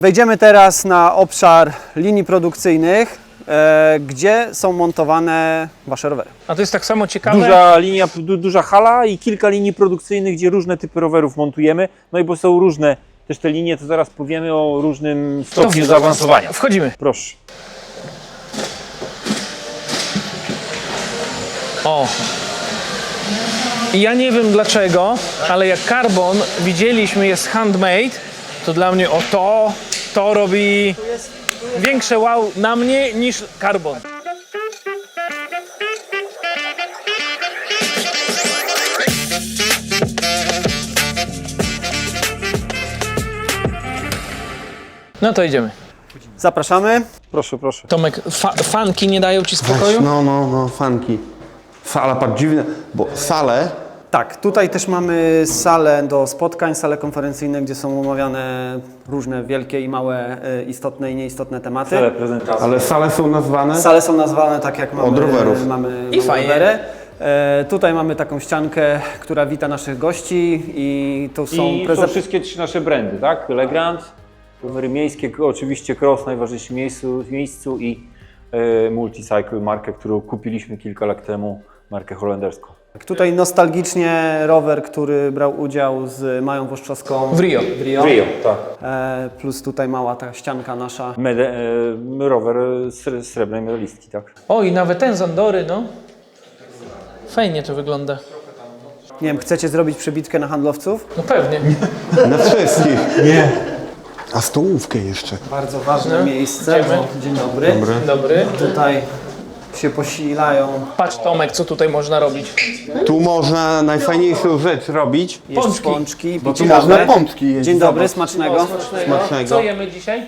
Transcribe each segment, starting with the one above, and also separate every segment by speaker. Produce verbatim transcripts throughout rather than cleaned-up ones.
Speaker 1: Wejdziemy teraz na obszar linii produkcyjnych, e, gdzie są montowane Wasze rowery.
Speaker 2: A to jest tak samo ciekawe.
Speaker 3: Duża linia, du, duża hala i kilka linii produkcyjnych, gdzie różne typy rowerów montujemy. No i bo są różne też te linie, to zaraz powiemy o różnym stopniu zaawansowania.
Speaker 2: Wchodzimy.
Speaker 3: Proszę.
Speaker 2: O. I ja nie wiem dlaczego, ale jak Carbon widzieliśmy jest handmade, to dla mnie o to, to robi większe wow na mnie niż Carbon. No to idziemy.
Speaker 1: Zapraszamy.
Speaker 3: Proszę, proszę.
Speaker 2: Tomek, fa fanki nie dają ci spokoju?
Speaker 4: Weź, no, no, no, fanki. Sala, patrz, dziwne, bo sale,
Speaker 1: Tak, tutaj też mamy salę do spotkań, salę konferencyjne, gdzie są omawiane różne wielkie i małe, e, istotne i nieistotne tematy.
Speaker 3: Cele prezentacji.
Speaker 4: ale sale są nazwane
Speaker 1: Sale są nazwane tak jak mamy,
Speaker 4: Od rowerów.
Speaker 1: mamy,
Speaker 2: I
Speaker 1: mamy
Speaker 2: fajnie.
Speaker 1: rowery. E, tutaj mamy taką ściankę, która wita naszych gości i tu są
Speaker 3: I
Speaker 1: preze-
Speaker 3: są wszystkie trzy nasze brandy, tak? Legrand, rowery miejskie, oczywiście Cross, najważniejszym miejscu, miejscu i e, Multicycle, markę, którą kupiliśmy kilka lat temu, markę holenderską.
Speaker 1: Tutaj nostalgicznie rower, który brał udział z Mają Włoszczowską
Speaker 2: W Rio.
Speaker 1: W Rio.
Speaker 3: Rio, tak.
Speaker 1: E, plus tutaj mała ta ścianka nasza.
Speaker 3: Mede, e, rower sre, srebrnej medalistki, tak?
Speaker 2: O, i nawet ten z Andory, no. Fajnie to wygląda.
Speaker 1: Nie wiem, chcecie zrobić przebitkę na handlowców?
Speaker 2: No pewnie.
Speaker 4: na wszystkich. Nie. A stołówkę jeszcze.
Speaker 1: Bardzo ważne miejsce.
Speaker 2: Idziemy.
Speaker 1: Bo, dzień dobry.
Speaker 2: Dzień dobry.
Speaker 1: Tutaj się posilają.
Speaker 2: Patrz Tomek, co tutaj można robić.
Speaker 4: Tu można najfajniejszą rzecz robić.
Speaker 1: Jeść
Speaker 2: Pączki.
Speaker 1: pączki.
Speaker 4: Bo
Speaker 1: pić
Speaker 4: tu
Speaker 1: kawę.
Speaker 4: można pączki jeść.
Speaker 1: Dzień dobry,
Speaker 4: Zobacz.
Speaker 1: smacznego.
Speaker 4: Smacznego.
Speaker 2: Co jemy dzisiaj?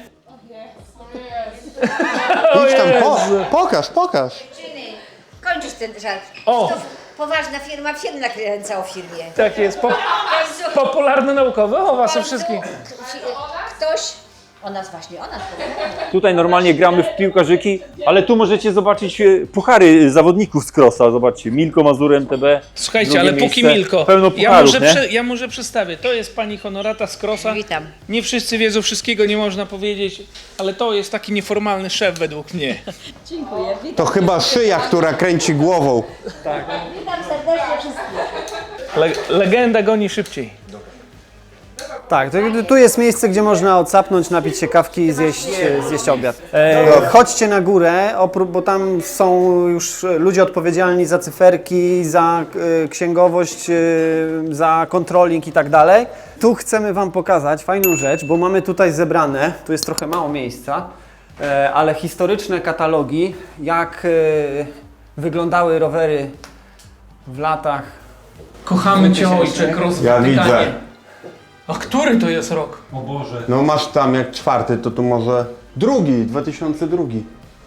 Speaker 4: Idź tam, po, pokaż, pokaż.
Speaker 5: Dziewczyny, kończysz ten żart.
Speaker 2: O!
Speaker 5: To poważna firma, film nakręca o firmie.
Speaker 2: Tak jest. Po, popularne naukowe o was o wszystkich.
Speaker 5: Ktoś, o nas właśnie, o nas powiedział.
Speaker 3: Tutaj normalnie gramy w piłkarzyki, ale tu możecie zobaczyć e, puchary zawodników z Crossa. Zobaczcie, Milko, Mazur, M T B.
Speaker 2: Słuchajcie,
Speaker 3: drugie
Speaker 2: ale póki
Speaker 3: miejsce.
Speaker 2: Milko,
Speaker 3: Pełno
Speaker 2: ja
Speaker 3: pucharów,
Speaker 2: może,
Speaker 3: nie?
Speaker 2: prze, ja może przedstawię. To jest pani Honorata z Crossa.
Speaker 5: Witam.
Speaker 2: Nie wszyscy wiedzą, wszystkiego nie można powiedzieć, ale to jest taki nieformalny szef według mnie.
Speaker 5: Dziękuję.
Speaker 4: To chyba szyja, która kręci głową.
Speaker 5: Witam serdecznie wszystkich.
Speaker 2: Le, legenda goni szybciej.
Speaker 1: Tak, to, tu jest miejsce, gdzie można odsapnąć, napić się kawki i zjeść, zjeść obiad. E, chodźcie na górę, opró- bo tam są już ludzie odpowiedzialni za cyferki, za e, księgowość, e, za kontroling i tak dalej. Tu chcemy Wam pokazać fajną rzecz, bo mamy tutaj zebrane, tu jest trochę mało miejsca, e, ale historyczne katalogi, jak e, wyglądały rowery w latach.
Speaker 2: Kochamy cię ojcze, Cross w
Speaker 4: Ja
Speaker 2: Watykanie.
Speaker 4: widzę.
Speaker 2: A który to jest rok?
Speaker 4: No masz tam jak czwarty, to tu może drugi, dwa tysiące drugi.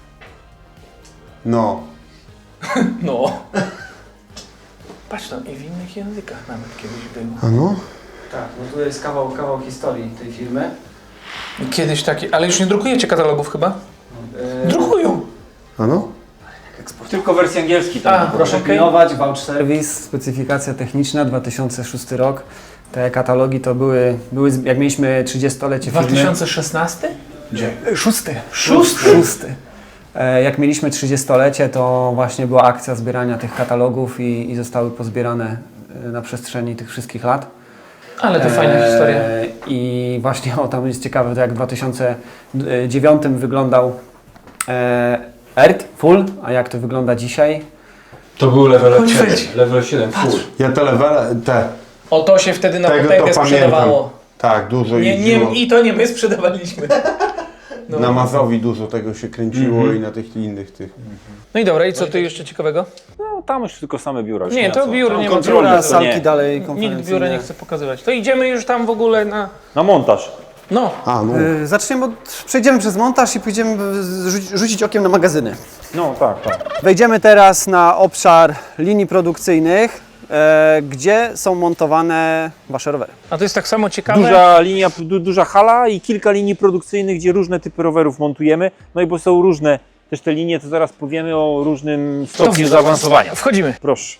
Speaker 4: No.
Speaker 2: No. Patrz tam, i w innych językach nawet kiedyś było.
Speaker 4: A no?
Speaker 1: Tak, no tu jest kawał, kawał historii tej firmy.
Speaker 2: Kiedyś taki, ale już nie drukujecie katalogów chyba? Drukują.
Speaker 4: A no?
Speaker 3: Tylko wersji angielskiej.
Speaker 2: A,
Speaker 3: Tam.
Speaker 1: Proszę
Speaker 2: Okej.
Speaker 1: pilnować, vouch service, specyfikacja techniczna, dwa tysiące szósty rok. Te katalogi to były, były z- jak mieliśmy trzydziestolecie
Speaker 2: dwa
Speaker 1: firmy.
Speaker 2: tysiące szesnasty?
Speaker 1: Gdzie? Szósty.
Speaker 2: Szósty?
Speaker 1: Szósty. E, Jak mieliśmy trzydziestolecie, to właśnie była akcja zbierania tych katalogów i, i zostały pozbierane e, na przestrzeni tych wszystkich lat.
Speaker 2: Ale to fajna
Speaker 1: E,
Speaker 2: historia.
Speaker 1: I właśnie o, tam jest ciekawe, to jak w dwa tysiące dziewiątym wyglądał e, Earth Full, a jak to wygląda dzisiaj.
Speaker 6: To był level
Speaker 2: Konfetti.
Speaker 6: siedem, level siedem full.
Speaker 4: Ja te levele, te,
Speaker 2: O to się wtedy na
Speaker 4: tego
Speaker 2: potęgę
Speaker 4: to pamiętam.
Speaker 2: sprzedawało.
Speaker 4: Tak, dużo
Speaker 2: Nie,
Speaker 4: jeździło.
Speaker 2: nie, I to nie my sprzedawaliśmy. No.
Speaker 4: Na Mazowi dużo tego się kręciło i na tych innych tych.
Speaker 2: No i dobra, i co tu jeszcze ciekawego?
Speaker 3: No, tam już tylko same biura. już
Speaker 2: Nie,
Speaker 3: ma
Speaker 2: to
Speaker 3: co.
Speaker 2: biur
Speaker 3: Tam
Speaker 2: nie ma
Speaker 3: kontroli,
Speaker 1: Biura,
Speaker 3: to
Speaker 1: salki
Speaker 3: nie.
Speaker 1: dalej
Speaker 2: Nikt
Speaker 1: konferencyjne.
Speaker 2: biura nie chce pokazywać. To idziemy już tam w ogóle na...
Speaker 3: Na montaż.
Speaker 2: No,
Speaker 4: A no.
Speaker 1: E, Zaczniemy od, przejdziemy przez montaż i pójdziemy rzucić, rzucić okiem na magazyny.
Speaker 3: No tak, tak.
Speaker 1: Wejdziemy teraz na obszar linii produkcyjnych, e, gdzie są montowane Wasze rowery.
Speaker 2: a to jest tak samo ciekawe.
Speaker 3: Duża linia, du, duża hala i kilka linii produkcyjnych, gdzie różne typy rowerów montujemy. No i bo są różne też te linie, to zaraz powiemy o różnym stopniu zaawansowania.
Speaker 2: Wchodzimy.
Speaker 3: Proszę.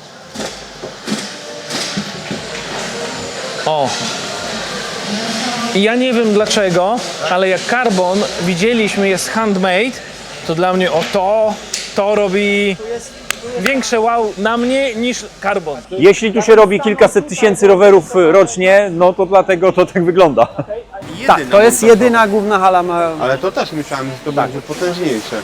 Speaker 2: O. I ja nie wiem dlaczego, ale jak Carbon widzieliśmy jest handmade, to dla mnie o to, to robi większe wow na mnie niż Carbon.
Speaker 3: Jeśli tu się robi kilkaset tysięcy rowerów rocznie, no to dlatego to tak wygląda.
Speaker 1: Tak, to jest jedyna główna hala. Ma...
Speaker 4: Ale to też myślałem, że to będzie potężniejsze.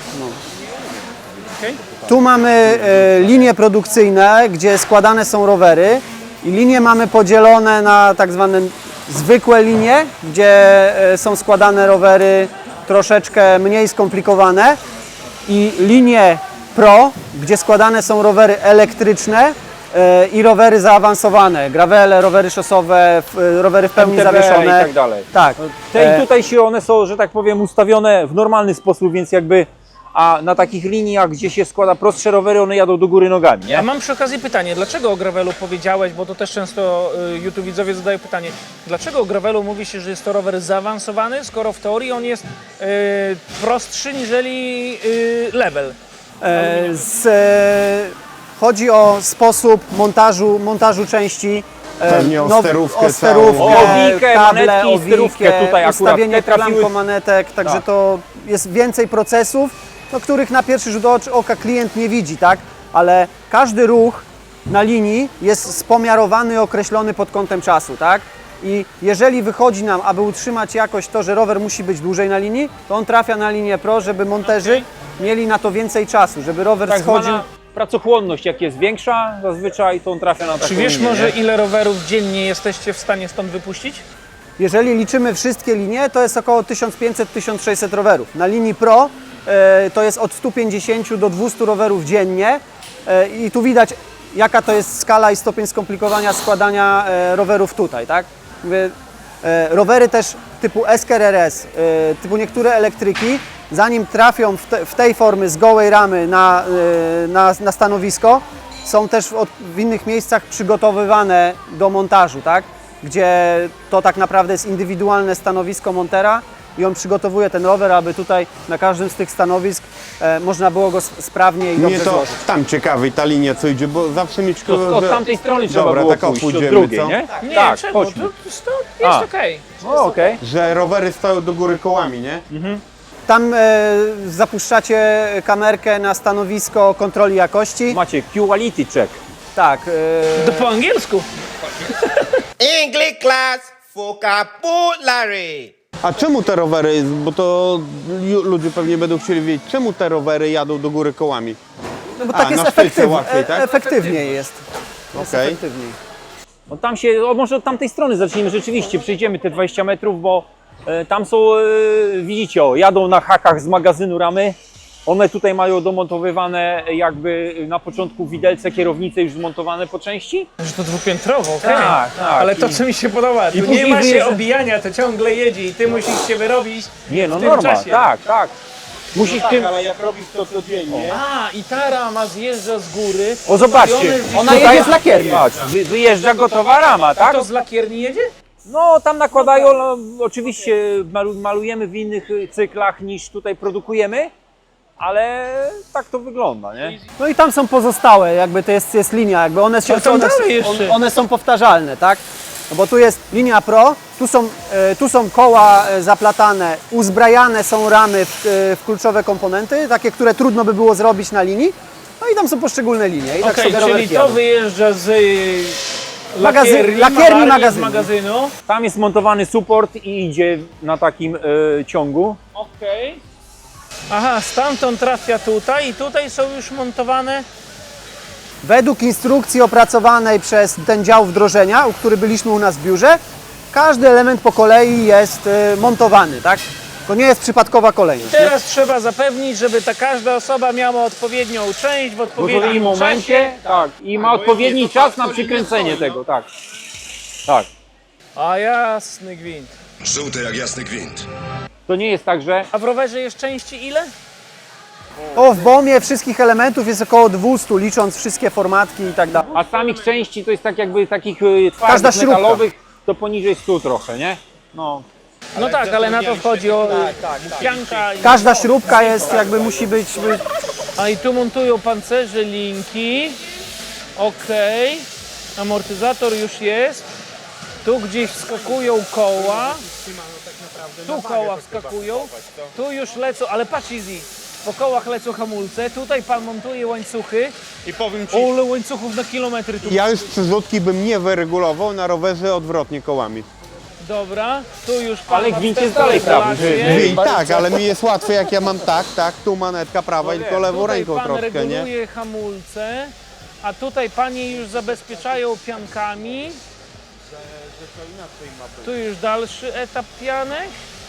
Speaker 1: Tu mamy e, linie produkcyjne, gdzie składane są rowery i linie mamy podzielone na tak zwane zwykłe linie, gdzie e, są składane rowery troszeczkę mniej skomplikowane i linie Pro, gdzie składane są rowery elektryczne e, i rowery zaawansowane, gravele, rowery szosowe, f, rowery w pełni
Speaker 3: M T B
Speaker 1: zawieszone.
Speaker 3: i tak dalej.
Speaker 1: Tak.
Speaker 3: Te,
Speaker 1: E,
Speaker 3: I tutaj się one są, że tak powiem, ustawione w normalny sposób, więc jakby, a na takich liniach, gdzie się składa prostsze rowery, one jadą do góry nogami,
Speaker 2: A
Speaker 3: nie?
Speaker 2: mam przy okazji pytanie, dlaczego o gravelu powiedziałeś, bo to też często y, YouTube widzowie zadają pytanie, dlaczego o gravelu mówi się, że jest to rower zaawansowany, skoro w teorii on jest y, prostszy niżeli y, level?
Speaker 1: E, z, e, chodzi o sposób montażu, montażu części. e,
Speaker 4: Pewnie o
Speaker 1: now-
Speaker 4: sterówkę
Speaker 1: o sterówkę,
Speaker 3: całą. O owijkę,
Speaker 1: kable,
Speaker 3: manetki i sterówkę
Speaker 1: owijkę,
Speaker 3: tutaj akurat.
Speaker 1: ustawienie
Speaker 3: Te trafiły-
Speaker 1: klamką manetek, także
Speaker 3: Tak.
Speaker 1: to jest więcej procesów, no, których na pierwszy rzut ocz- oka klient nie widzi, tak? Ale każdy ruch na linii jest spomiarowany i określony pod kątem czasu, tak? I jeżeli wychodzi nam, aby utrzymać jakość to, że rower musi być dłużej na linii, to on trafia na linię Pro, żeby monterzy mieli na to więcej czasu, żeby rower
Speaker 3: Tak
Speaker 1: schodził.
Speaker 3: zwana pracochłonność, jak jest większa, zazwyczaj to on trafia na taką
Speaker 2: Czy wiesz
Speaker 3: linię,
Speaker 2: może
Speaker 3: nie?
Speaker 2: ile rowerów dziennie jesteście w stanie stąd wypuścić?
Speaker 1: Jeżeli liczymy wszystkie linie, to jest około tysiąc pięćset do tysiąc sześćset rowerów. Na linii Pro e, to jest od stu pięćdziesięciu do dwustu rowerów dziennie e, i tu widać, jaka to jest skala i stopień skomplikowania składania e, rowerów tutaj, tak? Mówię, e, rowery też typu S K R S, e, typu niektóre elektryki, zanim trafią w, te, w tej formy z gołej ramy na, e, na, na stanowisko, są też w, od, w innych miejscach przygotowywane do montażu, tak? Gdzie to tak naprawdę jest indywidualne stanowisko montera i on przygotowuje ten rower, aby tutaj na każdym z tych stanowisk e, można było go s- sprawnie i
Speaker 4: Mnie
Speaker 1: dobrze
Speaker 4: to
Speaker 1: złożyć.
Speaker 4: tam ciekawy ta linia co idzie, bo zawsze mieć
Speaker 3: To od tamtej strony trzeba
Speaker 4: Dobra,
Speaker 3: było
Speaker 4: tak o,
Speaker 3: pójść, od
Speaker 4: pójdziemy,
Speaker 3: drugiej,
Speaker 4: co?
Speaker 3: nie?
Speaker 2: Nie,
Speaker 3: tak,
Speaker 2: czemu?
Speaker 3: chodźmy.
Speaker 2: To, to jest
Speaker 3: A.
Speaker 2: okej.
Speaker 3: No okej.
Speaker 4: że rowery stoją do góry kołami, nie?
Speaker 1: Tam e, zapuszczacie kamerkę na stanowisko kontroli jakości.
Speaker 3: Macie quality check.
Speaker 1: Tak, e,
Speaker 2: To po angielsku.
Speaker 7: English class vocabulary.
Speaker 4: A czemu te rowery, bo to ju- ludzie pewnie będą chcieli wiedzieć, czemu te rowery jadą do góry kołami?
Speaker 1: no bo
Speaker 4: A,
Speaker 1: tak jest
Speaker 4: na szpilce
Speaker 1: efektyw,
Speaker 4: łatwiej,
Speaker 1: e,
Speaker 4: tak?
Speaker 1: efektywniej jest. Jest
Speaker 4: Okej.
Speaker 1: efektywniej.
Speaker 3: No tam się, o, może od tamtej strony zacznijmy rzeczywiście, przejdziemy te dwadzieścia metrów, bo e, tam są, e, widzicie, o, jadą na hakach z magazynu ramy. One tutaj mają domontowywane jakby na początku widelce, kierownice już zmontowane po części.
Speaker 2: Że to dwupiętrowo, okej.
Speaker 3: Tak, tak.
Speaker 2: Ale to,
Speaker 3: I-
Speaker 2: co mi się podoba, tu nie
Speaker 3: później
Speaker 2: ma się
Speaker 3: wyjeżdża-
Speaker 2: obijania, to ciągle jedzie i ty musisz się wyrobić
Speaker 3: Nie, no
Speaker 2: w tym
Speaker 3: normal,
Speaker 2: czasie.
Speaker 3: tak, tak. Musisz tym...
Speaker 4: ale jak robisz to codziennie...
Speaker 2: A, i ta rama zjeżdża z góry.
Speaker 3: O, zobaczcie,
Speaker 2: ustawione w-
Speaker 1: Ona jedzie z lakierni.
Speaker 3: Patrz, wy, wyjeżdża gotowa rama,
Speaker 2: A
Speaker 3: tak?
Speaker 2: to z lakierni jedzie?
Speaker 3: No tam nakładają, no, oczywiście malu, malujemy w innych y, cyklach niż tutaj produkujemy, ale tak to wygląda, nie?
Speaker 1: No i tam są pozostałe, jakby to jest, jest linia, jakby one się
Speaker 2: A tam
Speaker 1: one,
Speaker 2: dalej jeszcze.
Speaker 1: on- one są powtarzalne, tak? No bo tu jest linia Pro, tu są, e, tu są koła e, zaplatane, uzbrajane są ramy w, e, w kluczowe komponenty, takie, które trudno by było zrobić na linii. No i tam są poszczególne linie. I tak
Speaker 2: Okej,
Speaker 1: sobie
Speaker 2: czyli
Speaker 1: rowerki
Speaker 2: to
Speaker 1: jadą.
Speaker 2: wyjeżdża z y,
Speaker 1: Magazyn-
Speaker 2: lakierni,
Speaker 1: lakierni
Speaker 2: malarni,
Speaker 1: magazynu.
Speaker 2: z magazynu.
Speaker 3: Tam jest montowany support i idzie na takim y, ciągu.
Speaker 2: Okej. Aha, stamtąd trafia tutaj i tutaj są już montowane.
Speaker 1: Według instrukcji opracowanej przez ten dział wdrożenia, u który byliśmy u nas w biurze, każdy element po kolei jest e, montowany, tak? To nie jest przypadkowa kolejność. Nie?
Speaker 2: Teraz trzeba zapewnić, żeby ta każda osoba miała odpowiednią część w
Speaker 3: W
Speaker 2: odpowiednim
Speaker 3: odpowiednim momencie, tak, i ma odpowiedni czas na przykręcenie tego, tak. Tak.
Speaker 2: A jasny gwint.
Speaker 8: Żółte jak jasny gwint.
Speaker 3: To nie jest tak, że
Speaker 2: A w rowerze jest części ile?
Speaker 1: O, w bomie wszystkich elementów jest około dwieście, licząc wszystkie formatki i tak dalej.
Speaker 3: a samych części to jest tak jakby takich y,
Speaker 1: Każda
Speaker 3: twardych
Speaker 1: śrubka.
Speaker 3: metalowych, to poniżej stu trochę, nie? No.
Speaker 2: No tak, ale na to wchodzi o pianka. i-
Speaker 1: Każda śrubka jest, jakby musi być, być
Speaker 2: A i tu montują pancerze, linki. Okej. Amortyzator już jest. Tu gdzieś wskakują koła. Tu koła wskakują. Tu już lecą, ale patrz Easy. Po kołach lecą hamulce. Tutaj pan montuje łańcuchy.
Speaker 4: I powiem ci,
Speaker 2: Ole łańcuchów na kilometry tu.
Speaker 4: ja już przyrzutki bym nie wyregulował, na rowerze odwrotnie kołami.
Speaker 2: Dobra, tu już pan
Speaker 3: Ale
Speaker 2: ma
Speaker 3: gwint jest
Speaker 2: wstępną
Speaker 3: dalej prawy.
Speaker 2: regulację.
Speaker 4: I tak, ale mi jest łatwiej jak ja mam tak, tak, tu manetka prawa i tylko lewą
Speaker 2: Tutaj
Speaker 4: ręką
Speaker 2: pan
Speaker 4: troszkę, nie?
Speaker 2: reguluje hamulce, a tutaj panie już zabezpieczają piankami. Tu już dalszy etap pianek.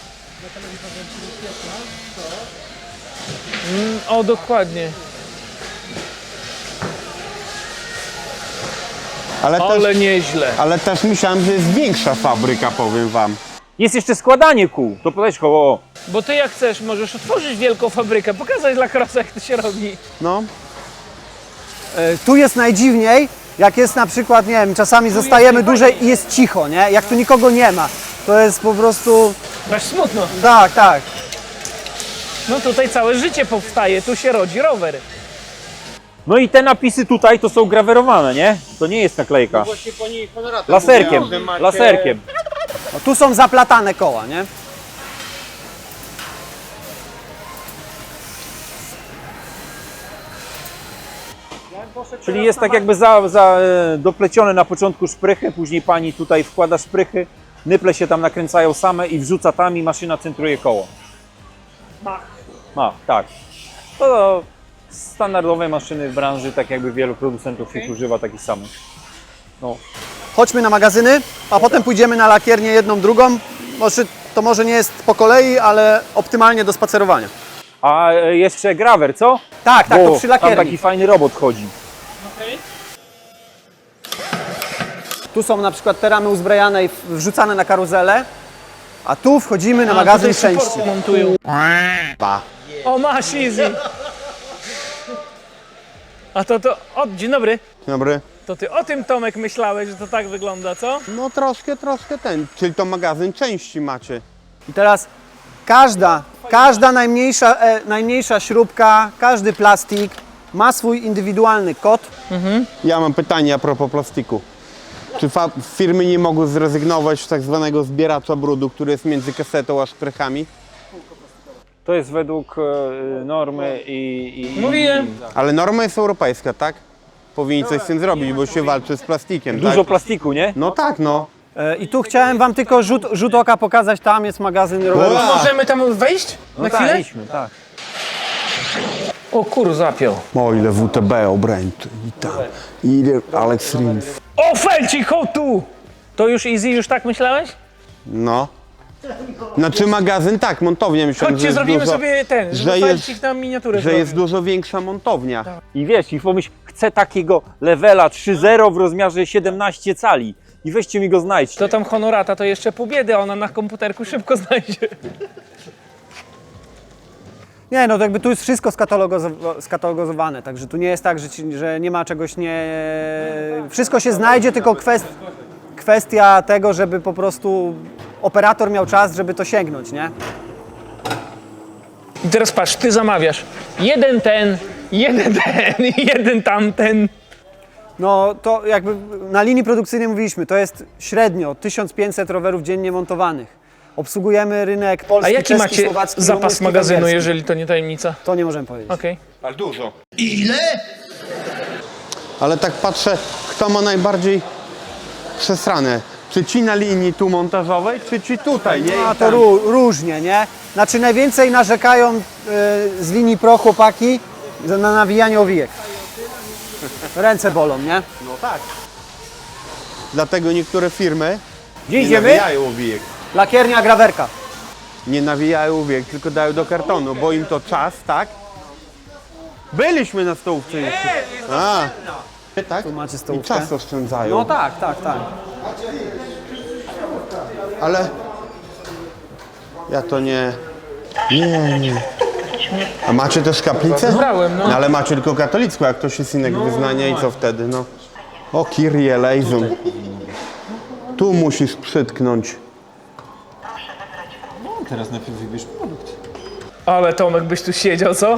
Speaker 2: Mm, o, dokładnie.
Speaker 4: Ale też,
Speaker 2: Ale nieźle.
Speaker 4: ale też myślałem, że jest większa fabryka, powiem wam.
Speaker 3: Jest jeszcze składanie kół. To podać koło.
Speaker 2: Bo ty jak chcesz, możesz otworzyć wielką fabrykę, pokazać dla krosa, jak to się robi.
Speaker 4: No,
Speaker 1: E, Tu jest najdziwniej, jak jest na przykład, nie wiem, czasami zostajemy dłużej i jest cicho, nie? Jak tu nikogo nie ma. To jest po prostu...
Speaker 2: Masz smutno.
Speaker 1: Tak, tak.
Speaker 2: No tutaj całe życie powstaje, tu się rodzi rower.
Speaker 3: No i te napisy tutaj to są grawerowane, nie? To nie jest naklejka. Laserkiem, laserkiem.
Speaker 1: No, tu są zaplatane koła, nie?
Speaker 3: Czyli jest tak jakby za, za e, doplecione na początku szprychy, później pani tutaj wkłada szprychy, nyple się tam nakręcają same i wrzuca tam i maszyna centruje koło. Ma, tak. To standardowe maszyny w branży, tak jakby wielu producentów ich używa takich samych. No.
Speaker 1: Chodźmy na magazyny, a potem pójdziemy na lakiernię jedną, drugą. Może, to może nie jest po kolei, ale optymalnie do spacerowania.
Speaker 3: A e, jeszcze grawer, co?
Speaker 1: Tak, tak,
Speaker 3: Bo
Speaker 1: to przy
Speaker 3: tam
Speaker 1: lakierni.
Speaker 3: taki fajny robot chodzi.
Speaker 1: Tu są na przykład te ramy uzbrajane i wrzucane na karuzelę, a tu wchodzimy na
Speaker 2: A,
Speaker 1: magazyn
Speaker 2: tutaj
Speaker 1: części.
Speaker 2: supporty montują. O, masz Easy. A to to, o, dzień dobry.
Speaker 4: dobry.
Speaker 2: To ty o tym, Tomek, myślałeś, że to tak wygląda, co?
Speaker 4: No troszkę, troszkę ten, czyli to magazyn części macie.
Speaker 1: I teraz każda, każda najmniejsza, e, najmniejsza śrubka, każdy plastik ma swój indywidualny kod.
Speaker 4: Ja mam pytanie a propos plastiku. Czy fa- firmy nie mogły zrezygnować z tak zwanego zbieracza brudu, który jest między kasetą a szprychami?
Speaker 3: To jest według e, normy i... i
Speaker 2: Mówiłem.
Speaker 4: Ale norma jest europejska, tak? Powinni coś z tym zrobić, bo się walczy z plastikiem,
Speaker 3: Dużo
Speaker 4: tak?
Speaker 3: plastiku, nie?
Speaker 4: No tak, no.
Speaker 1: E, I tu chciałem wam tylko rzut, rzut oka pokazać, tam jest magazyn rowerowy.
Speaker 4: Ua!
Speaker 2: Możemy tam wejść na
Speaker 3: tak,
Speaker 2: chwilę?
Speaker 3: idźmy, tak.
Speaker 2: O kur, zapiął.
Speaker 4: O ile W T B obręcz. Witam. Ile Alex Rins.
Speaker 2: O, felcik, chodź tu! To już Easy, już tak myślałeś?
Speaker 4: No. Znaczy magazyn, tak, montownia myślałem, że
Speaker 2: Chodźcie,
Speaker 4: jest
Speaker 2: zrobimy
Speaker 4: dużo,
Speaker 2: sobie ten, żeby
Speaker 4: że jest-
Speaker 2: felcik na miniaturę
Speaker 4: że jest
Speaker 2: zrobił.
Speaker 4: dużo większa montownia.
Speaker 3: I wiesz, i pomyśl, chcę takiego levela trzy zero w rozmiarze siedemnaście cali. I weźcie mi go znajdźcie.
Speaker 2: To tam honorata to jeszcze pół biedy, a ona na komputerku szybko znajdzie.
Speaker 1: Nie, no to jakby tu jest wszystko skatalogozo- skatalogozowane, także tu nie jest tak, że, ci, że nie ma czegoś nie... Wszystko się znajdzie, tylko kwest... kwestia tego, żeby po prostu operator miał czas, żeby to sięgnąć, nie?
Speaker 2: I teraz patrz, ty zamawiasz. Jeden ten, jeden ten, jeden tamten.
Speaker 1: No to jakby na linii produkcyjnej mówiliśmy, to jest średnio tysiąc pięćset rowerów dziennie montowanych. Obsługujemy rynek polski,
Speaker 2: A jaki
Speaker 1: czeski,
Speaker 2: macie
Speaker 1: słowacki,
Speaker 2: zapas
Speaker 1: rumuński,
Speaker 2: magazynu,
Speaker 1: węgierski?
Speaker 2: jeżeli to nie tajemnica?
Speaker 1: To nie możemy powiedzieć.
Speaker 2: Okej.
Speaker 4: Ale dużo. Ile? Ale tak patrzę, kto ma najbardziej przesrane. Czy ci na linii tu montażowej, czy ci tutaj, nie?
Speaker 1: A
Speaker 4: I
Speaker 1: to
Speaker 4: tam.
Speaker 1: ró- różnie, nie? Znaczy najwięcej narzekają y, z linii pro chłopaki za- na nawijanie owijek. Ręce bolą, nie?
Speaker 4: No tak. Dlatego niektóre firmy
Speaker 3: Gdzie
Speaker 4: nie
Speaker 3: idziemy?
Speaker 4: nawijają owijek.
Speaker 1: Lakiernia, grawerka.
Speaker 4: Nie nawijają owijek, tylko dają do kartonu, bo im to czas, tak? Byliśmy na stołówce jeszcze. A, tak?
Speaker 1: Tu macie
Speaker 4: I
Speaker 1: stołówkę.
Speaker 4: czas oszczędzają.
Speaker 1: No tak, tak, tak.
Speaker 4: Ale ja to nie... Nie, nie. A macie też kaplicę?
Speaker 2: Brałem, no.
Speaker 4: Ale macie tylko katolicką, jak ktoś jest innego wyznania i co wtedy, no? O Kyrie eleison. Tu musisz przytknąć.
Speaker 6: Teraz najpierw wybierz produkt.
Speaker 2: Ale Tomek byś tu siedział, co?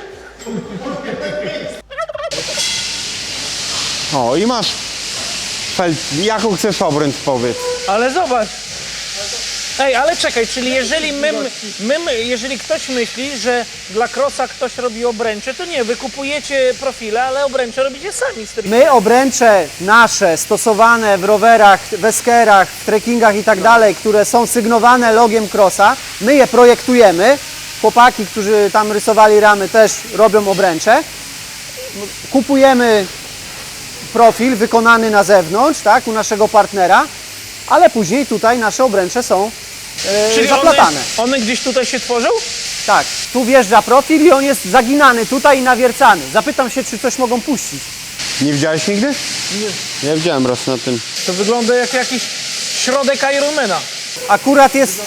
Speaker 4: O, i masz Fel... Jaką chcesz obręcz, powiedz?
Speaker 2: Ale zobacz. Ej, ale czekaj, czyli jeżeli my, my, my, jeżeli ktoś myśli, że dla Crossa ktoś robi obręcze, to nie, wy kupujecie profile, ale obręcze robicie sami. Z
Speaker 1: My obręcze nasze stosowane w rowerach, w eskerach, w trekkingach i tak dalej, które są sygnowane logiem Crossa, my je projektujemy. Chłopaki, którzy tam rysowali ramy, też robią obręcze. Kupujemy profil wykonany na zewnątrz, tak, u naszego partnera, ale później tutaj nasze obręcze są e,
Speaker 2: Czyli
Speaker 1: zaplatane.
Speaker 2: one, one gdzieś tutaj się tworzą?
Speaker 1: Tak, tu wjeżdża profil i on jest zaginany tutaj i nawiercany. Zapytam się, czy coś mogą puścić.
Speaker 4: Nie widziałeś nigdy? Nie. Ja widziałem raz na tym.
Speaker 2: To wygląda jak jakiś środek Ironmana.
Speaker 1: Akurat jest...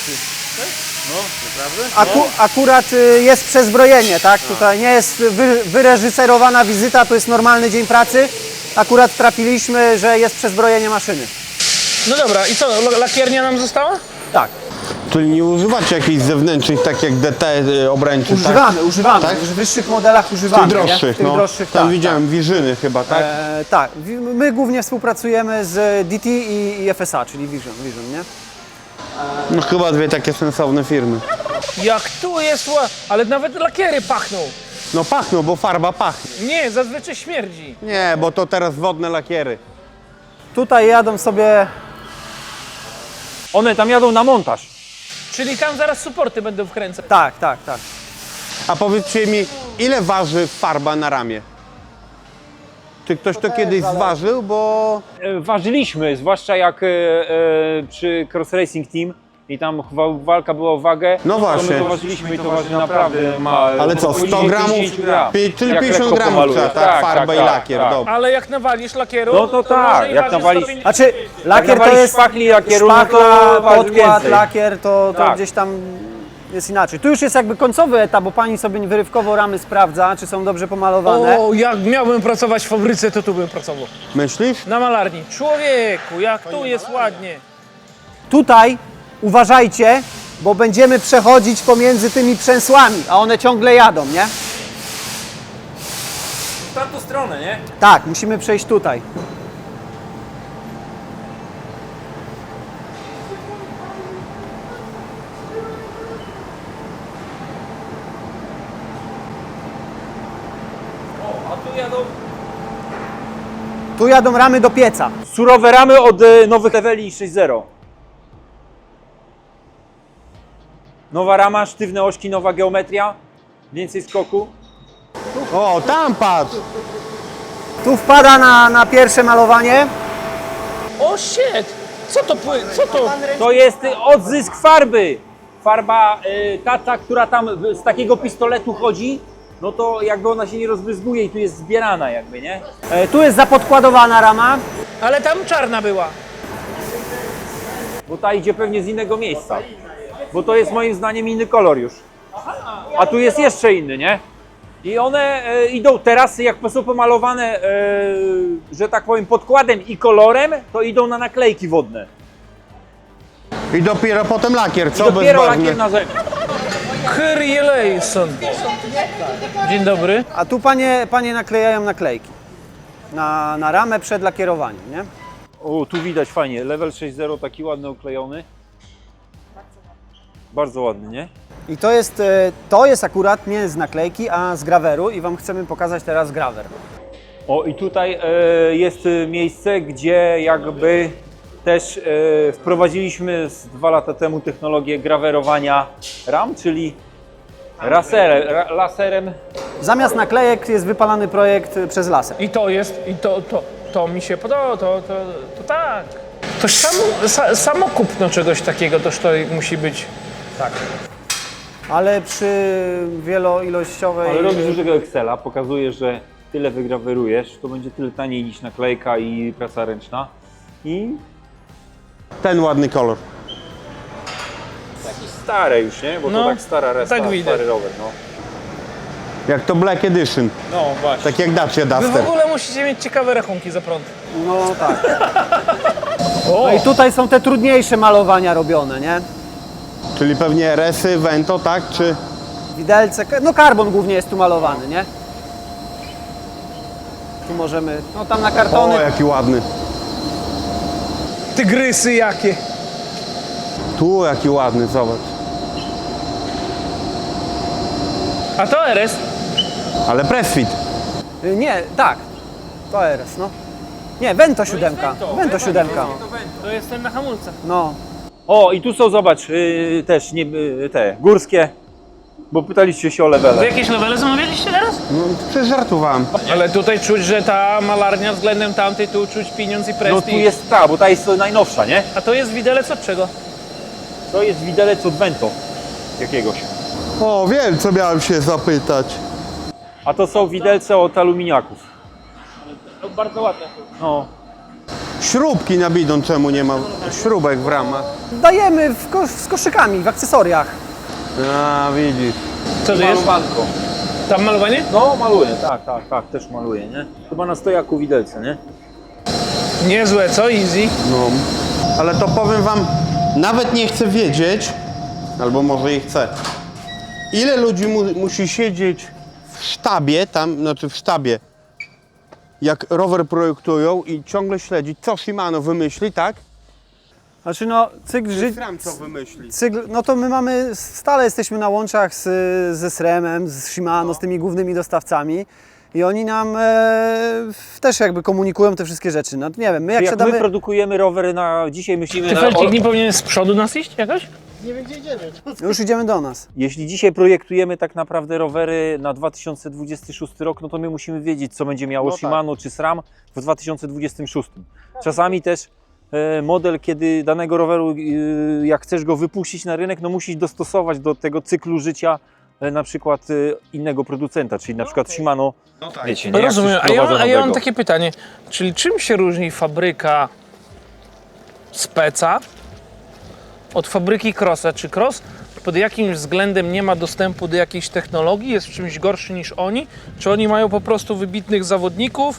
Speaker 1: Aku, akurat y, jest przezbrojenie, tak? Tutaj nie jest wy, wyreżyserowana wizyta, to jest normalny dzień pracy. Akurat trafiliśmy, że jest przezbrojenie maszyny.
Speaker 2: No dobra, i co, l- lakiernia nam została?
Speaker 1: Tak,
Speaker 4: Czyli nie używacie jakichś zewnętrznych, tak jak D T y, obręczy,
Speaker 1: używamy,
Speaker 4: tak?
Speaker 1: używamy.
Speaker 4: Tak?
Speaker 1: W wyższych modelach
Speaker 4: W
Speaker 1: używamy.
Speaker 4: tych
Speaker 1: nie?
Speaker 4: droższych,
Speaker 1: W tych
Speaker 4: no.
Speaker 1: droższych,
Speaker 4: Tam
Speaker 1: tak,
Speaker 4: widziałem Wirzyny chyba, tak?
Speaker 1: E, tak, Wi- my głównie współpracujemy z D T i, i F S A, czyli Vision, Vision, nie?
Speaker 4: No chyba dwie takie sensowne firmy.
Speaker 2: Jak tu jest ła... Ale nawet lakiery pachną.
Speaker 4: No pachną, bo farba pachnie.
Speaker 2: Nie, zazwyczaj śmierdzi.
Speaker 4: Nie, bo to teraz wodne lakiery.
Speaker 1: Tutaj jadą sobie...
Speaker 3: One tam jadą na montaż.
Speaker 2: Czyli tam zaraz suporty będą wkręcać.
Speaker 1: Tak, tak, tak.
Speaker 4: A powiedzcie mi, ile waży farba na ramię? Czy ktoś to kiedyś zważył, bo...
Speaker 3: E, Ważyliśmy, zwłaszcza jak e, e, przy Cross Racing Team i tam wa- walka była o wagę.
Speaker 4: No
Speaker 3: To
Speaker 4: właśnie.
Speaker 3: my to ważyliśmy i to waży naprawdę ma...
Speaker 4: Ale co, sto
Speaker 3: poniżej
Speaker 4: gramów?
Speaker 3: pięćdziesiąt gram.
Speaker 4: Pi- Czyli
Speaker 3: Jak
Speaker 4: pięćdziesiąt
Speaker 3: lekko
Speaker 4: gramów
Speaker 3: pomalujesz.
Speaker 4: trzeba, tak? Farba i lakier,
Speaker 3: tak.
Speaker 4: dobra.
Speaker 2: Ale jak nawalisz lakieru,
Speaker 3: No to tak,
Speaker 2: może i
Speaker 3: jak
Speaker 2: waży
Speaker 3: nawalisz-
Speaker 2: sto pięćdziesiąt.
Speaker 1: Znaczy, lakier to
Speaker 3: nawalisz
Speaker 1: jest
Speaker 3: szpachli lakieru, no to
Speaker 1: szpachla,
Speaker 3: waży
Speaker 1: podkład,
Speaker 3: więcej.
Speaker 1: lakier, to, to
Speaker 3: Tak.
Speaker 1: gdzieś tam jest inaczej. Tu już jest jakby końcowy etap, bo pani sobie wyrywkowo ramy sprawdza, czy są dobrze pomalowane.
Speaker 2: O, jak miałbym pracować w fabryce, to tu bym pracował.
Speaker 4: Myślisz?
Speaker 2: Na malarni. Człowieku, jak tu jest ładnie.
Speaker 1: Tutaj uważajcie, bo będziemy przechodzić pomiędzy tymi przęsłami, a one ciągle jadą, nie?
Speaker 3: W tamtą stronę, nie?
Speaker 1: Tak, musimy przejść tutaj.
Speaker 3: A tu jadą...
Speaker 1: Tu jadą ramy do pieca.
Speaker 3: Surowe ramy od e, nowych leveli sześć zero. Nowa rama, sztywne ośki, nowa geometria, więcej skoku.
Speaker 4: O, tam patrz!
Speaker 1: Tu wpada na, na pierwsze malowanie.
Speaker 2: O shit! Co to pły... Co to?
Speaker 3: To jest y, odzysk farby. Farba y, ta, ta, która tam w- z takiego pistoletu chodzi, no to jakby ona się nie rozbryzguje i tu jest zbierana jakby, nie?
Speaker 1: E, tu jest zapodkładowana rama.
Speaker 2: Ale tam czarna była.
Speaker 3: Bo ta idzie pewnie z innego miejsca. Bo to jest moim zdaniem inny kolor już. A tu jest jeszcze inny, nie? I one e, idą teraz, jak są pomalowane, e, że tak powiem, podkładem i kolorem, to idą na naklejki wodne.
Speaker 4: I dopiero potem lakier, co?
Speaker 3: I dopiero
Speaker 4: Bezbarwny.
Speaker 3: lakier na zewnątrz.
Speaker 2: Kyrie Lejson. Dzień dobry.
Speaker 1: A tu panie, panie naklejają naklejki na, na ramę przed lakierowaniem, nie?
Speaker 3: O, tu widać fajnie, level sześć zero taki ładny oklejony. Bardzo ładny, nie?
Speaker 1: I to jest, e, to jest akurat nie z naklejki, a z graweru i wam chcemy pokazać teraz grawer.
Speaker 3: O, i tutaj e, jest e, miejsce, gdzie jakby też e, wprowadziliśmy z dwa lata temu technologię grawerowania ram, czyli laserem, ra, laserem.
Speaker 1: Zamiast naklejek jest wypalany projekt e, przez laser.
Speaker 2: I to jest, i to, to, to mi się podoba, to, to, to tak. Toż samo, sa, samo kupno czegoś takiego, toż to musi być. Tak.
Speaker 1: Ale przy wieloilościowej...
Speaker 3: Ale robisz dużego Excela, pokazuje, że tyle wygrawerujesz, to będzie tyle taniej niż naklejka i praca ręczna. I
Speaker 4: Ten ładny kolor.
Speaker 3: jakieś stare już, nie? Bo
Speaker 2: No,
Speaker 3: to tak stara resta,
Speaker 2: tak widać.
Speaker 3: stary rower, no.
Speaker 4: Jak to Black Edition.
Speaker 3: No właśnie.
Speaker 4: Tak jak Dacia
Speaker 2: Wy w
Speaker 4: Duster.
Speaker 2: ogóle musicie mieć ciekawe rachunki za prąd.
Speaker 1: No tak.
Speaker 2: O,
Speaker 1: No i tutaj są te trudniejsze malowania robione, nie?
Speaker 4: Czyli pewnie Resy, Vento, tak? Czy...
Speaker 1: Widelce, no karbon głównie jest tu malowany, nie? Tu możemy, no tam na kartony,
Speaker 4: O, jaki ładny.
Speaker 2: tygrysy jakie.
Speaker 4: Tu jaki ładny, zobacz.
Speaker 2: A to R S?
Speaker 4: Ale Pressfit.
Speaker 1: Y, Nie, tak. To R S, no. Nie, Vento siódemka. Vento siódemka.
Speaker 2: To jest ten na hamulcach.
Speaker 1: No.
Speaker 3: O, i tu są, zobacz, yy, też nie, yy, te górskie, bo pytaliście się o
Speaker 2: Wy
Speaker 3: levele.
Speaker 2: jakieś levele zamawialiście teraz?
Speaker 4: No, przecież żartowałem.
Speaker 2: Ale tutaj czuć, że ta malarnia względem tamtej, tu czuć pieniądz i
Speaker 3: No
Speaker 2: prestiż.
Speaker 3: tu jest ta, bo ta jest najnowsza, nie?
Speaker 2: A to jest widelec od czego?
Speaker 3: To jest widelec od Vento jakiegoś.
Speaker 4: O, wiem, co miałem się zapytać.
Speaker 3: A to są widelce od aluminiaków.
Speaker 2: No, bardzo ładne.
Speaker 3: No.
Speaker 4: Śrubki na bidon, czemu nie ma śrubek w ramach?
Speaker 1: Dajemy w ko z koszykami, w akcesoriach.
Speaker 4: A, widzisz.
Speaker 2: Co to jest?
Speaker 3: Malowanko.
Speaker 2: Tam malowanie?
Speaker 3: No maluję, tak, tak, tak, też maluję, nie? Chyba na stojaku widelce, nie?
Speaker 2: Niezłe, co? Easy.
Speaker 4: No. Ale to powiem wam, nawet nie chcę wiedzieć, albo może i chcę, ile ludzi mu musi siedzieć w sztabie, tam, znaczy w sztabie, jak rower projektują i ciągle śledzić, co Shimano wymyśli, tak?
Speaker 1: Znaczy no, cykl życia...
Speaker 4: Ram co wymyśli.
Speaker 1: Cykl, no to my mamy, stale jesteśmy na łączach z, ze SRAM-em, z Shimano, z tymi głównymi dostawcami i oni nam e, też jakby komunikują te wszystkie rzeczy. No nie wiem, my jak
Speaker 3: Jak
Speaker 1: siadamy...
Speaker 3: my produkujemy rowery na... Dzisiaj myślimy
Speaker 2: Ty
Speaker 3: na...
Speaker 2: Felcik nie powinien z przodu nas iść jakoś?
Speaker 1: Już idziemy do nas.
Speaker 3: Jeśli dzisiaj projektujemy tak naprawdę rowery na dwa tysiące dwudziesty szósty rok, no to my musimy wiedzieć, co będzie miało
Speaker 4: No tak.
Speaker 3: Shimano czy SRAM w dwa tysiące dwudziestym szóstym. Czasami też e, model, kiedy danego roweru, e, jak chcesz go wypuścić na rynek, no musisz dostosować do tego cyklu życia e, na przykład e, innego producenta, czyli na przykład Shimano. Wiecie, nie? Jak
Speaker 2: Rozumiem,
Speaker 3: coś
Speaker 2: a ja,
Speaker 3: wprowadza
Speaker 2: a ja mam
Speaker 3: nowego.
Speaker 2: takie pytanie, czyli czym się różni fabryka speca od fabryki Crossa? Czy Cross pod jakimś względem nie ma dostępu do jakiejś technologii, jest w czymś gorszy niż oni? Czy oni mają po prostu wybitnych zawodników?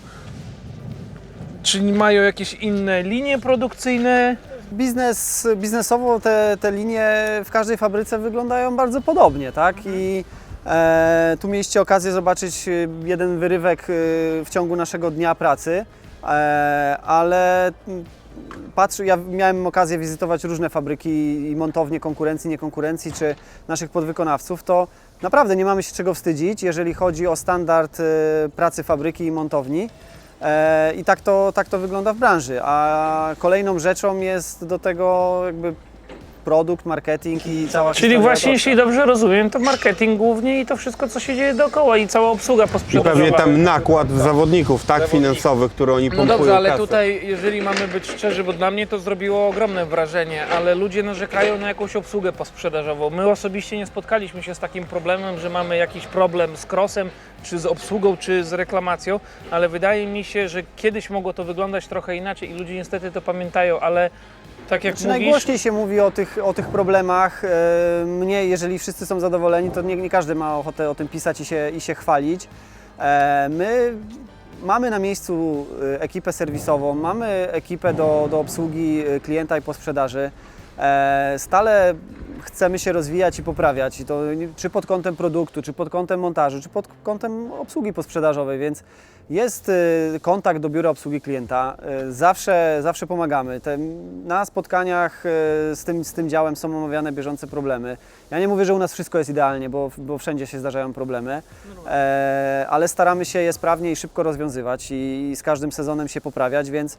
Speaker 2: Czy mają jakieś inne linie produkcyjne?
Speaker 1: Biznes, biznesowo te, te linie w każdej fabryce wyglądają bardzo podobnie, tak? I e, tu mieliście okazję zobaczyć jeden wyrywek e, w ciągu naszego dnia pracy, e, ale patrz, ja miałem okazję wizytować różne fabryki i montownie konkurencji, niekonkurencji, czy naszych podwykonawców, to naprawdę nie mamy się czego wstydzić, jeżeli chodzi o standard e, pracy fabryki i montowni. E, I tak to, tak to wygląda w branży, a kolejną rzeczą jest do tego jakby produkt, marketing i cała
Speaker 2: Czyli
Speaker 1: historia
Speaker 2: właśnie,
Speaker 1: autorska.
Speaker 2: jeśli dobrze rozumiem, to marketing głównie i to wszystko, co się dzieje dookoła i cała obsługa
Speaker 4: I
Speaker 2: posprzedażowa.
Speaker 4: pewnie tam nakład zawodników, tak, finansowy, który oni
Speaker 2: No
Speaker 4: pompują
Speaker 2: dobrze, ale
Speaker 4: kasę.
Speaker 2: tutaj, jeżeli mamy być szczerzy, bo dla mnie to zrobiło ogromne wrażenie, ale ludzie narzekają na jakąś obsługę posprzedażową. My osobiście nie spotkaliśmy się z takim problemem, że mamy jakiś problem z crossem, czy z obsługą, czy z reklamacją, ale wydaje mi się, że kiedyś mogło to wyglądać trochę inaczej i ludzie niestety to pamiętają, ale tak jak
Speaker 1: Czy
Speaker 2: mówisz...
Speaker 1: najgłośniej się mówi o tych, o tych problemach. E, Mnie, jeżeli wszyscy są zadowoleni, to nie, nie każdy ma ochotę o tym pisać i się, i się chwalić. E, My mamy na miejscu e, ekipę serwisową, mamy ekipę do, do obsługi e, klienta i posprzedaży. E, Stale chcemy się rozwijać i poprawiać, i to nie- czy pod kątem produktu, czy pod kątem montażu, czy pod kątem obsługi posprzedażowej, więc jest e, kontakt do biura obsługi klienta, e, zawsze, zawsze pomagamy. Te, na spotkaniach e, z tym, z tym działem są omawiane bieżące problemy. Ja nie mówię, że u nas wszystko jest idealnie, bo, bo wszędzie się zdarzają problemy, e, ale staramy się je sprawnie i szybko rozwiązywać i, i z każdym sezonem się poprawiać, więc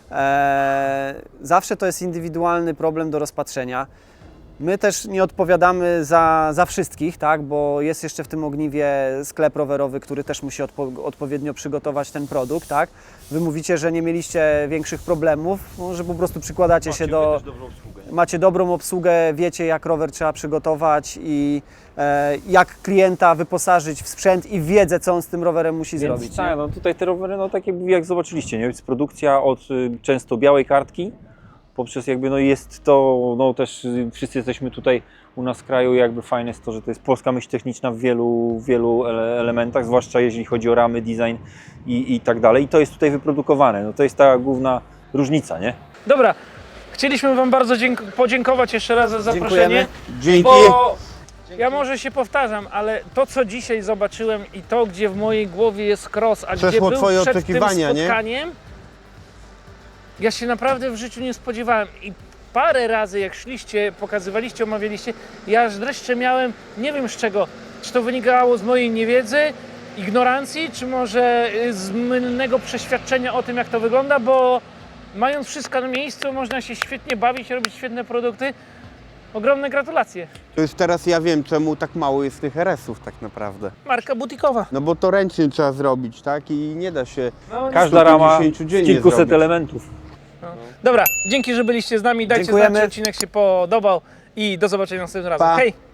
Speaker 1: e, zawsze to jest indywidualny problem do rozpatrzenia. My też nie odpowiadamy za, za wszystkich, tak? Bo jest jeszcze w tym ogniwie sklep rowerowy, który też musi odpo odpowiednio przygotować ten produkt. Tak? Wy mówicie, że nie mieliście większych problemów, no, że po prostu przykładacie się do... Macie dobrą obsługę, wiecie jak rower trzeba przygotować i e, jak klienta wyposażyć w sprzęt i wiedzę, co on z tym rowerem musi
Speaker 3: Więc
Speaker 1: zrobić.
Speaker 3: tak,
Speaker 1: nie?
Speaker 3: no tutaj te rowery, no tak jakby jak zobaczyliście, nie? Jest produkcja od y, często białej kartki, poprzez jakby no jest to, no też y, wszyscy jesteśmy tutaj u nas w kraju, jakby fajne jest to, że to jest polska myśl techniczna w wielu, wielu ele elementach, zwłaszcza jeżeli chodzi o ramy, design i, i tak dalej. I to jest tutaj wyprodukowane, no to jest ta główna różnica, nie?
Speaker 2: Dobra, chcieliśmy Wam bardzo dzięk- podziękować jeszcze raz za zaproszenie.
Speaker 1: Dziękujemy.
Speaker 4: Dzięki.
Speaker 2: Bo ja może się powtarzam, ale to co dzisiaj zobaczyłem i to gdzie w mojej głowie jest cross, a
Speaker 4: Przeszło
Speaker 2: gdzie był
Speaker 4: twoje
Speaker 2: przed
Speaker 4: oczekiwania,
Speaker 2: tym
Speaker 4: nie?
Speaker 2: spotkaniem, Ja się naprawdę w życiu nie spodziewałem i parę razy jak szliście, pokazywaliście, omawialiście, ja aż dreszcze miałem, nie wiem z czego, czy to wynikało z mojej niewiedzy, ignorancji, czy może y, z mylnego przeświadczenia o tym, jak to wygląda, bo mając wszystko na miejscu, można się świetnie bawić, robić świetne produkty. Ogromne gratulacje.
Speaker 4: To już teraz ja wiem, czemu tak mało jest tych R S-ów tak naprawdę.
Speaker 2: Marka butikowa.
Speaker 4: No bo to ręcznie trzeba zrobić, tak? I nie da się
Speaker 3: Każda rama
Speaker 4: sto pięćdziesiąt
Speaker 3: z
Speaker 4: dziennie
Speaker 3: kilkuset
Speaker 4: zrobić.
Speaker 3: elementów.
Speaker 2: Dobra, dzięki, że byliście z nami. Dajcie
Speaker 1: Dziękujemy.
Speaker 2: znać, czy odcinek się podobał i do zobaczenia następnym razem.
Speaker 4: Pa.
Speaker 2: Hej!